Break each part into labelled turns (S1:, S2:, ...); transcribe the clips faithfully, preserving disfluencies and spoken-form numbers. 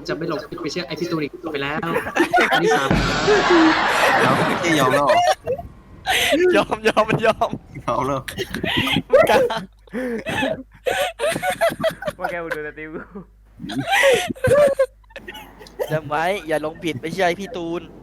S1: ผมจะไม่หลงผิดไปเชื่อไอพี่ตูนอีกไปแล้วอันที่สาม
S2: แล้วไม่ใช่ยอมแล้ว
S3: ยอมยอมมันยอม
S2: ยอมแล้ว
S3: กล้า
S4: ว่าแกดูสติว
S3: จำไว้อย่าหลงผิดไม่ใช่พี่ตูน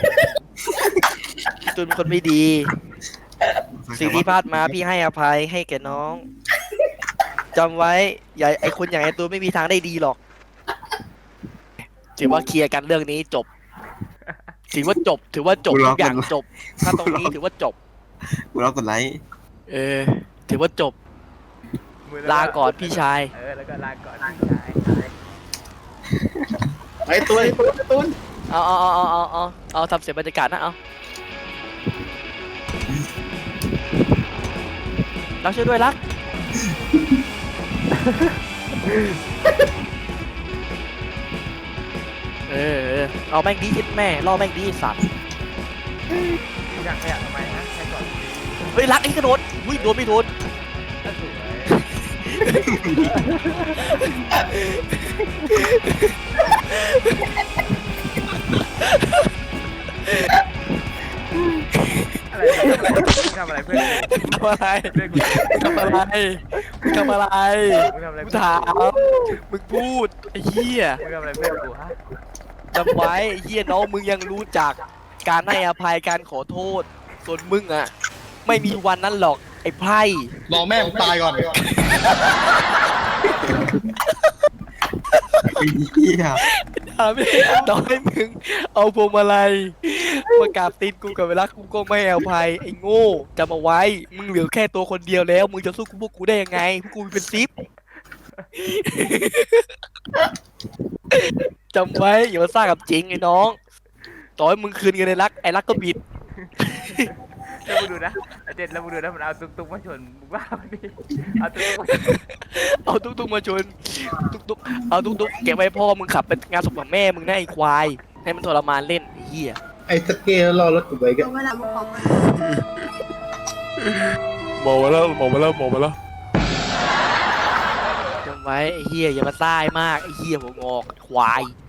S3: พี่ตูนเป็นคนไม่ดี สิ่งที่พลาดมาพี่ให้อภัยให้แก่น้องจำไว้อย่าไอคนอย่างไอตูนไม่มีทางได้ดีหรอกถือว่าเคลียร์กันเรื่องนี้จบ ถือว่าจบ ถือว่าจบทุกอย่างจบ ถ้าตรงนี้ถือว่าจบ
S2: กูรับกดไลค์
S3: เออ ถือว่าจบ ลาก่อนพี่ชาย
S4: เออแล้วก็ลาก่อนพี่ชาย
S1: ไอตูนไอตูนไอตูน
S3: เอาเอาเอาเอาเอาเอาทำเสียงบรรยากาศนะเอารักช่วยด้วยรักเออเออเอาแม่งดีคิดแม่ล่อแม่งดีสัตว์
S4: พี่อยากขยับทำไมนะแค่ก่อน
S3: เฮ้ยรักไอ้กระโดดอุ้ยโดนไม่โดน
S4: ก็สวยอะไรทำอะไรเพื่อน
S3: ทำอะไร
S4: เพื่อนกู
S3: ทำอะไรมึงทำอะไร
S4: มึงทำอะไร
S3: กู
S4: เพื่อน
S3: ถามมึงพูดไอ้เหี้ย
S4: มึงทำอะไรเพื่อนกูฮะ
S3: จำไว้ไอ้เหี้ยน้องมึงยังรู้จักการให้อภัยการขอโทษส่วนมึงอ่ะไม่มีวันนั้นหรอกไอ้ไพร่
S5: รอแม่ผมตายก่อน
S2: ไอ้เหี้ย
S3: ถามไม่ต่อให้มึงเอาพวงมาลัยมากราบตีนกูกับเวลากูก็ไม่ให้อภัยไอ้โง่จำเอาไว้มึงเหลือแค่ตัวคนเดียวแล้วมึงจะสู้กูพวกกูได้ยังไงพวกกูเป็นซิป จำไว้อย่ามาสร้างกับจริงไอ้น้องต่อให้มึงคืนเงินในรักไอ้รักก็บิด
S4: แล้วมึงดูนะไอเจ็ดแล้วมึงดูนะมันเอาตุ๊กตุ๊กมาชนมึงว่ามันดิเอาตุ๊กตุ๊ก
S3: เอาตุ๊กตุ๊กมาชนตุ๊กตุ๊กเอาตุ๊กตุ๊กเก็บไว้พ่อมึงขับไปงานศพของแม่มึงนะไอ้ควายให้มันทรมานเล่นไอ้เหี้ย
S5: ไอ้สเกลรอรถกูไว้กัน
S6: เวลาบอก
S3: บอกมาแล้วบอกมาแล้วบอกมาแล้วจำไว้ไอ้เหี้ยอย่ามาซ่ายมากไอ้เหี้ยหัวงอกควาย